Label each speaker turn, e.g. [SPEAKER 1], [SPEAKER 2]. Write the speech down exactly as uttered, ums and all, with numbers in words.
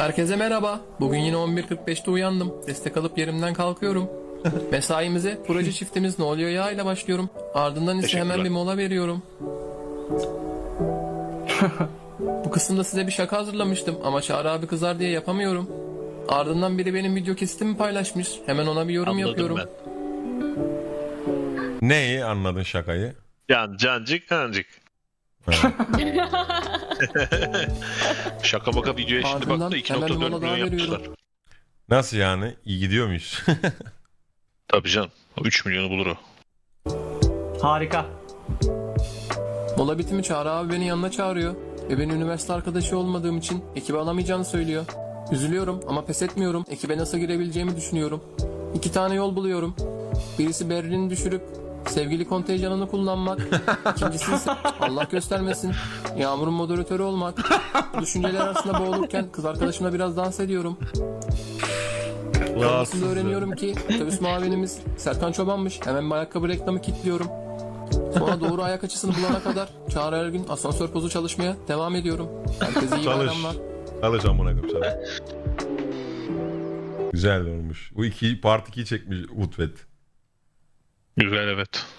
[SPEAKER 1] Herkese merhaba. Bugün yine on bir kırk beşte uyandım. Destek alıp yerimden kalkıyorum. Mesaimize proje çiftimiz Ne Oluyor Ya ile başlıyorum. Ardından ise hemen bir mola veriyorum. Bu kısımda size bir şaka hazırlamıştım ama Çağrı abi kızar diye yapamıyorum. Ardından biri benim video kesitimi paylaşmış. Hemen ona bir yorum
[SPEAKER 2] Anladım
[SPEAKER 1] yapıyorum.
[SPEAKER 2] ben.
[SPEAKER 3] Neyi anladın şakayı?
[SPEAKER 2] Can, cancık, cancık.
[SPEAKER 3] Ha.
[SPEAKER 2] Şaka maka videoya şimdi
[SPEAKER 1] Ardından
[SPEAKER 2] baktı iki
[SPEAKER 1] hemen
[SPEAKER 2] nokta
[SPEAKER 1] bir
[SPEAKER 2] dört
[SPEAKER 1] mola
[SPEAKER 2] milyon
[SPEAKER 1] daha
[SPEAKER 2] yapmışlar.
[SPEAKER 1] veriyorum.
[SPEAKER 3] Nasıl yani? İyi gidiyor muyuz?
[SPEAKER 2] Tabii canım. üç milyonu bulur o.
[SPEAKER 4] Harika.
[SPEAKER 1] Mola bitimi Çağrı abi beni yanına çağırıyor. Ve beni üniversite arkadaşı olmadığım için ekibe alamayacağını söylüyor. Üzülüyorum ama pes etmiyorum. Ekibe nasıl girebileceğimi düşünüyorum. İki tane yol buluyorum. Birisi Berlin'i düşürüp sevgili kontenjanını kullanmak. İkincisi ise Allah göstermesin Yağmur'un moderatörü olmak. Bu düşünceler arasında boğulurken kız arkadaşımla biraz dans ediyorum. Sonrasında öğreniyorum ki otobüs muavinimiz Serkan Çoban'mış. Hemen bir ayakkabı reklamı kilitliyorum. Sonra doğru ayak açısını bulana kadar Çağrı her gün asansör pozu çalışmaya devam ediyorum. Herkese iyi
[SPEAKER 3] Çalış.
[SPEAKER 1] bayramlar.
[SPEAKER 3] Çalış amına koyayım sana. Güzel olmuş. Bu iki part ikiyi çekmiş Utvet.
[SPEAKER 2] Güzel evet.